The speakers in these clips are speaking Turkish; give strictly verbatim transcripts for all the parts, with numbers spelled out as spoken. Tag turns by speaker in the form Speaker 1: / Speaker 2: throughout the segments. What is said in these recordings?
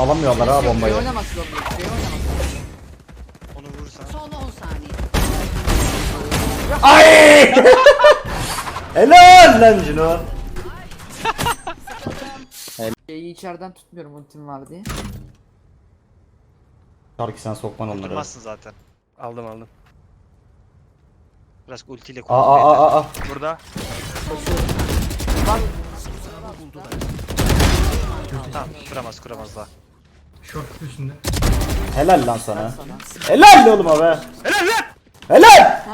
Speaker 1: alamıyorlar ha bombayı.
Speaker 2: Oynamasın onu. Oynamasın.
Speaker 3: Onu vurursan.
Speaker 4: Son on saniye.
Speaker 1: Ay! Helal lan Cino.
Speaker 2: Şeyi içeriden tutmuyorum ultim var diye.
Speaker 1: Şarkı sen sokman onları.
Speaker 3: Durmazsın zaten. Aldım aldım. Biraz ultiyle
Speaker 1: Aa
Speaker 3: kullan.
Speaker 1: aa aa aa.
Speaker 3: Burada.
Speaker 2: Bak
Speaker 3: Tamam kuramaz kuramaz daha.
Speaker 5: Short üstünde.
Speaker 1: Helal lan sana.
Speaker 2: sana.
Speaker 1: Helal oğlum abi.
Speaker 3: Helal lan!
Speaker 1: Helal.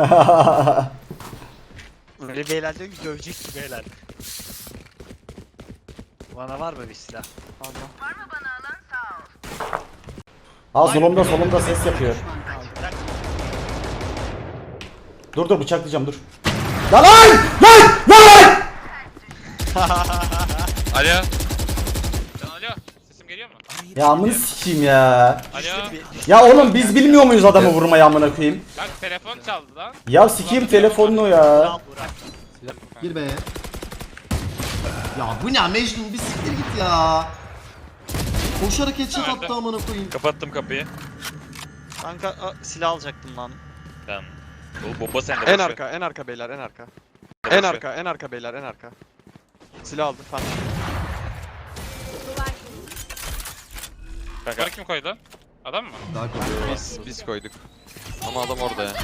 Speaker 3: Böyle beyler diyor ki dövecek ki beyler. Bana var mı bir silah?
Speaker 2: Pardon.
Speaker 1: Aa solumda solumda ses yapıyor. Dur dur bıçaklayacağım dur. Lan lan lan lan.
Speaker 6: Alo. Can alo. Sesim geliyor mu?
Speaker 1: Ya amını sikeyim ya.
Speaker 6: Alo.
Speaker 1: Ya oğlum biz bilmiyor muyuz adamı vurmayı amına koyayım?
Speaker 6: Bak telefon çaldı lan.
Speaker 1: Ya sikeyim telefonunu ya.
Speaker 5: Gir be. Ya bu ne Mecnun, bir siktir git ya. Koşarak headshot
Speaker 6: Nerede?
Speaker 5: attı amına koyayım.
Speaker 6: Kapattım kapıyı.
Speaker 3: Kanka a, silah alacaktım lan.
Speaker 6: Tamam. O bomba sende.
Speaker 7: En
Speaker 6: boş ver.
Speaker 7: arka, en arka beyler, en arka.
Speaker 6: Boş
Speaker 7: En
Speaker 6: ver.
Speaker 7: arka, en arka beyler, en arka. Silah aldı fan.
Speaker 6: Kanka kim koydu? Adam mı?
Speaker 5: Daha koyuyor.
Speaker 8: Biz biz koyduk. Ama adam orada ya.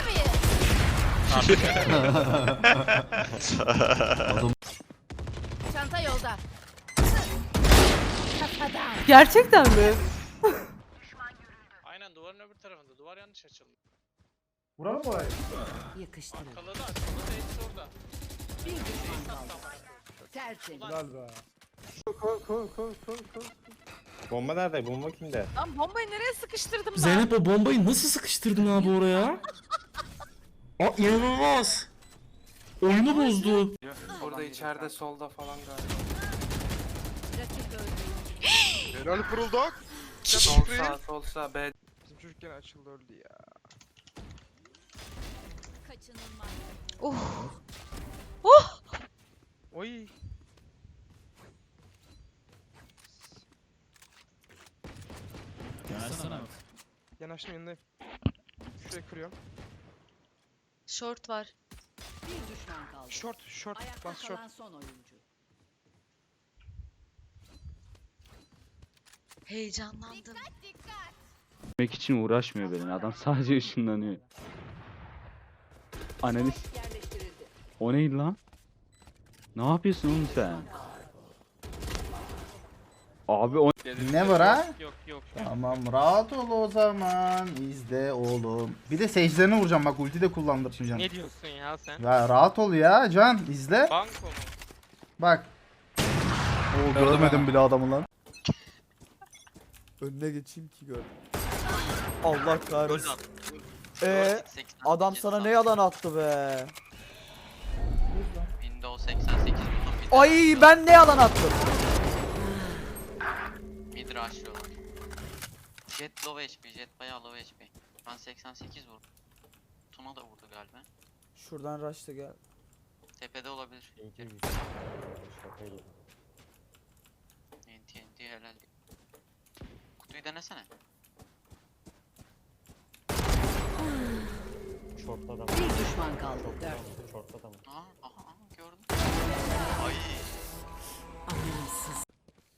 Speaker 4: Çanta yolda. Kafadan.
Speaker 9: Gerçekten mi?
Speaker 6: Aynen duvarın öbür tarafında. Duvar yanlış açıldı.
Speaker 1: Vuralım mı orayı?
Speaker 4: Yakıştırın.
Speaker 6: Kalığı da açıldı. Hepsi orada.
Speaker 4: Bir düşman kaldı. Tertemiz.
Speaker 10: Bomba nerede? Bomba kimde?
Speaker 9: Lan bombayı nereye sıkıştırdım ben?
Speaker 5: Zeynep o bombayı nasıl sıkıştırdın abi oraya? Aa inanılmaz. Oyunu bozdu.
Speaker 11: Burada içeride solda falan galiba.
Speaker 4: Rakip öldü.
Speaker 7: Helal kurulduk.
Speaker 11: Sol sağ sol sağ B.
Speaker 7: Bizim çocuk gene açıldı öldü ya.
Speaker 4: Kaçınılmaz.
Speaker 7: Oy. Yanaştım yanındayım. Şuraya kırıyorum.
Speaker 9: Short var.
Speaker 4: Bir düşman kaldı.
Speaker 7: Short, short,
Speaker 4: Ayakta
Speaker 7: bas short.
Speaker 4: kalan son oyuncu.
Speaker 9: Heyecanlandım.
Speaker 12: Yemek için uğraşmıyor benim adam sadece ışınlanıyor. Analiz.
Speaker 4: Yerleştirildi.
Speaker 12: O neydi lan? Ne yapıyorsun oğlum sen? Abi o
Speaker 1: Ne var ha?
Speaker 6: Yok yok.
Speaker 1: Tamam rahat ol o zaman. İzle oğlum. Bir de secdelerine vuracağım bak ulti de kullandırmayacağım.
Speaker 6: Ne diyorsun ya sen?
Speaker 1: Ya rahat ol ya Can izle.
Speaker 6: Banko mu?
Speaker 1: Bak. Oo görmedim bile adamı lan.
Speaker 5: Önüne geçeyim ki gör. Allah kahretsin.
Speaker 3: Ee,
Speaker 5: Eee adam sana ne yalan attı be.
Speaker 8: Windows seksen sekiz buldum.
Speaker 5: Ay ben ne yalan attım.
Speaker 8: Mid rushlıyorlar. Jet low H P, Jet bayağı low H P. Ben seksen sekiz vurdum. Tuna da vurdu galiba.
Speaker 5: Şuradan rush'ta gel.
Speaker 8: Tepede olabilir. N T N T helal. Kutuyu denesene.
Speaker 10: Short'ta adam.
Speaker 4: Bir düşman kaldı. Dört.
Speaker 10: Short'ta adam.
Speaker 8: Aa, aha, aha gördüm. Ay.
Speaker 4: Amansız.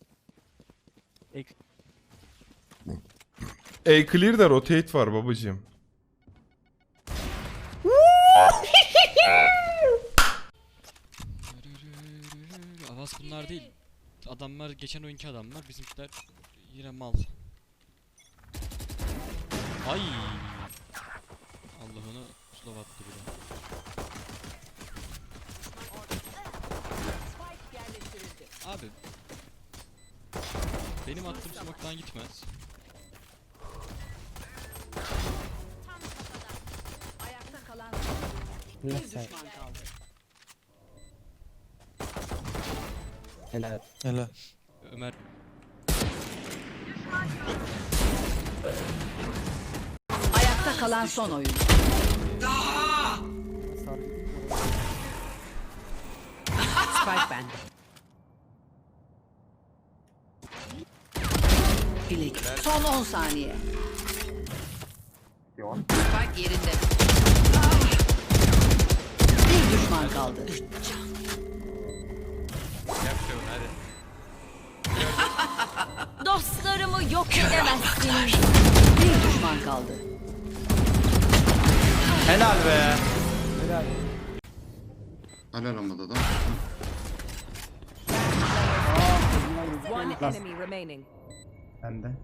Speaker 13: A clear'da rotate var babacığım.
Speaker 11: Avaz bunlar değil. Adamlar geçen oyunki adamlar, bizimkiler yine mal. Ay. Allah'ını slow attı bir de.
Speaker 4: Spike yerleştirildi.
Speaker 11: Abi. Benim attığım smoke'tan gitmez.
Speaker 4: Tam kafadan. Ayakta kalan son oyuncu. Bir düşman kaldı.
Speaker 5: Helal. Helal.
Speaker 11: Ömer.
Speaker 4: Ayakta kalan son oyuncu. Spike bende. bilek. Son on saniye. Spike yerinde. Bir düşman kaldı.
Speaker 6: Yapıyorum hadi.
Speaker 9: Dostlarımı yok edemezsiniz.
Speaker 4: Bir düşman kaldı.
Speaker 3: Helal be.
Speaker 5: Helal olmadı da.
Speaker 4: One enemy remaining.
Speaker 1: Ben de.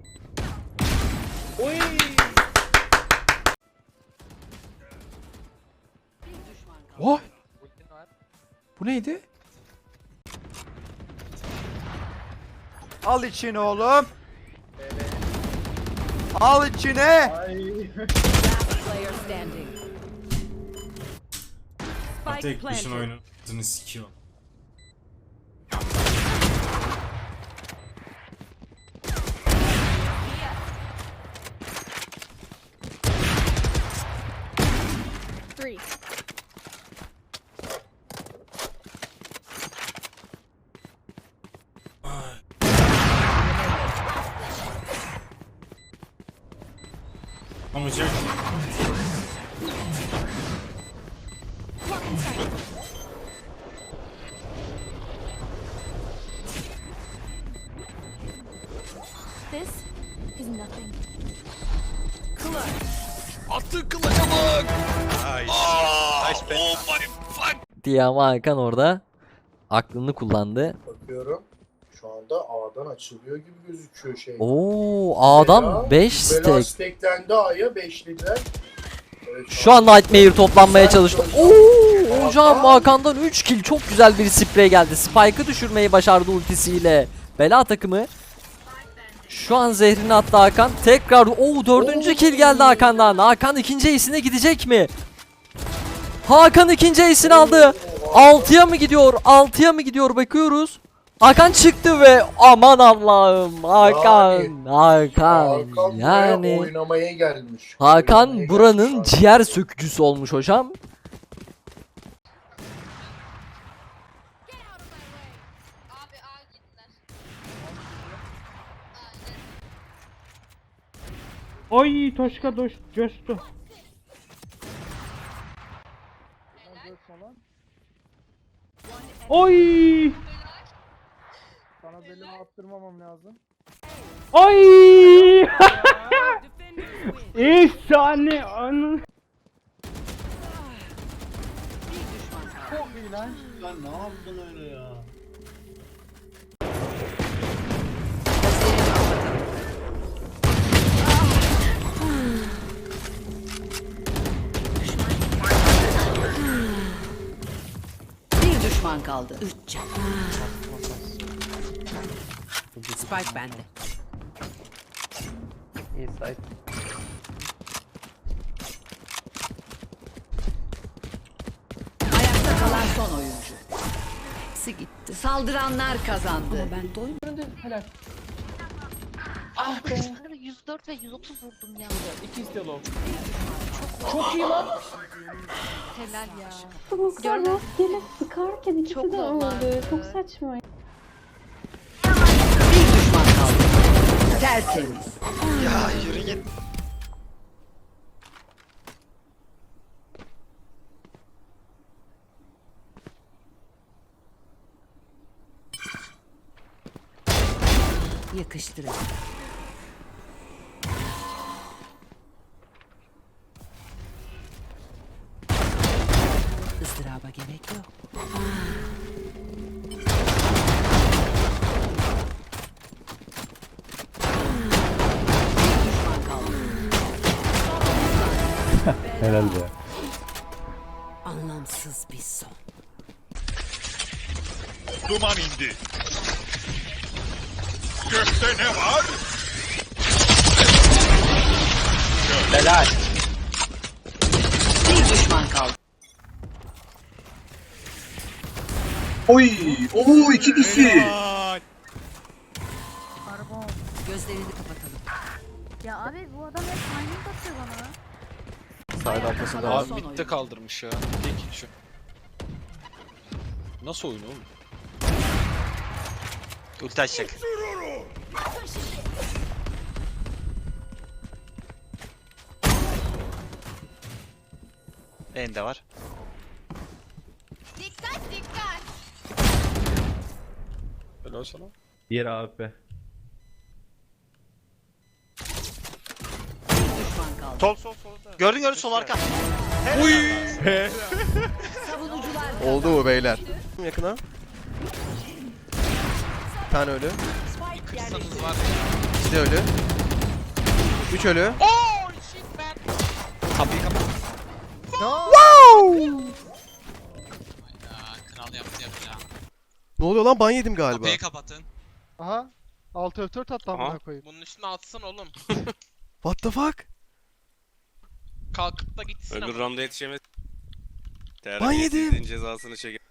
Speaker 7: Oh! Bu neydi? Al içine oğlum. Al içine.
Speaker 4: Player standing. Spike planted.
Speaker 11: oyununu sikiyor.
Speaker 9: Three.
Speaker 11: Olacak.
Speaker 9: This is nothing.
Speaker 11: Attı kılıca bak.
Speaker 3: Nice. Nice be.
Speaker 11: Oh my fuck.
Speaker 2: Diye ama Hakan orada aklını kullandı.
Speaker 1: Bakıyorum. Şu anda A'dan açılıyor gibi gözüküyor şey.
Speaker 2: Oo, A'dan beş stack.
Speaker 1: Steklendi A'ya beşlediler. Evet,
Speaker 2: Şu an Nightmare toplanmaya çalıştı. Oo, hocam Hakan'dan üç kill, çok güzel bir sprey geldi. Spike'ı düşürmeyi başardı ultisiyle. Bela takımı. Şu an zehrini attı Hakan. Tekrar o dördüncü kill geldi Hakan'dan. Hakan ikinci ace'ine gidecek mi? Hakan ikinci ace'ini aldı. altıya mı gidiyor? altıya mı gidiyor? Bakıyoruz. Hakan çıktı ve aman Allah'ım. Hakan, Hakan. Yani
Speaker 1: oynamaya gelmiş.
Speaker 2: Hakan buranın ciğer sökücüsü olmuş hocam.
Speaker 12: Ay Toşka doş coştu. Oy!
Speaker 7: Sana belimi attırmamam lazım.
Speaker 12: Ay! Efsane anı.
Speaker 1: Çok iyi lan. Lan ne yaptın öyle ya?
Speaker 4: Bir düşman kaldı. Üç can. Spike bende.
Speaker 7: İyi site.
Speaker 4: Ayakta kalan son oyuncu. Hepsi gitti. Saldıranlar kazandı. Ama ben doymadım.
Speaker 7: Helal.
Speaker 9: Ah be. yüz dört ve yüz otuz vurdum ya.
Speaker 7: İki istiyor
Speaker 9: Çok iyi lan. Helal ya. Gördün. sıkarken ikisi de öldü. Çok saçma.
Speaker 4: Bir düşman kaldı. Tertemiz.
Speaker 3: Ya yürü git.
Speaker 4: Yakıştırın. Izdıraba gerek yok. Bir düşman kaldı.
Speaker 12: Helal be.
Speaker 4: Anlamsız bir son.
Speaker 6: Duman indi. Gökte ne var?
Speaker 3: Helal.
Speaker 4: Bir düşman kaldı.
Speaker 1: Oy! Oo iki kişi.
Speaker 6: Helal.
Speaker 4: Gözlerini kapatalım.
Speaker 9: Ya abi bu adam hep timing atıyor bana.
Speaker 2: Side arkasında
Speaker 4: Kalan
Speaker 2: var.
Speaker 4: son oyuncu.
Speaker 3: kaldırmış ya. Tek şu. Nasıl oyun oğlum? Ulti açacak. Ende var.
Speaker 4: Dikkat dikkat.
Speaker 3: Öyle olsa lan.
Speaker 10: Diğer A W P.
Speaker 4: Düşman kaldı.
Speaker 3: Sol sol sol. Gördün gördün sol arka.
Speaker 4: Savunucular
Speaker 7: Oldu mu beyler? Yakına. Bir tane ölü.
Speaker 4: Spike yerleştirildi.
Speaker 6: Kırsanız var.
Speaker 7: İki de ölü. Üç ölü.
Speaker 6: Oh shit man.
Speaker 3: Kapıyı kapat.
Speaker 6: Ya kral yaptı yaptı ya.
Speaker 7: Ne oluyor lan, ban yedim galiba.
Speaker 6: Kapıyı kapatın.
Speaker 7: Aha. Altı F dört attı amına koyayım.
Speaker 6: Bunun üstüne atsın oğlum.
Speaker 7: What the fuck?
Speaker 6: Kalkıp da gitsin ama.
Speaker 3: rounda yetişemez.
Speaker 7: Ban yedim.
Speaker 3: Cezasını çeker.